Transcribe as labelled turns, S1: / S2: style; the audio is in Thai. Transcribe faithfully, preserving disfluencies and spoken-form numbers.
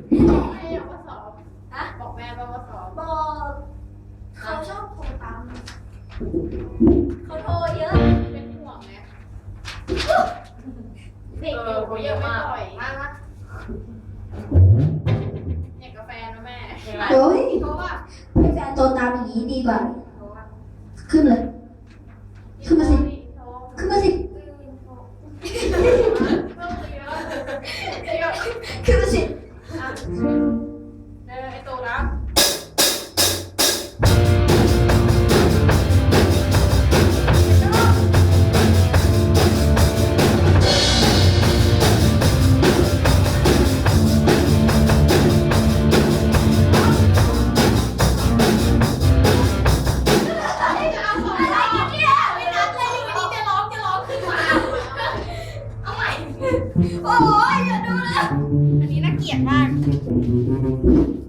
S1: ให้เอามาสอบฮะบอกแม่ว่ามาสอบ
S2: บอกเขาชอบโทรตามเขาโทรเยอะ
S1: เป็นห่วงไงเด็กอยู่เขาเยอะไม่ปล่อยมากนะอยากกาแฟนะแม่
S3: โอ้ย
S1: เพราะว่า
S3: ให้แฟนโทรตามอย่างนี้ดีกว่าขึ้นเลยขึ้นมาสิขึ้นมาสิขึ้นมาสิ
S1: เออไอตัวรับ
S2: โอ้ยอย่าดูเลยอันนี้น่าเกลียดมาก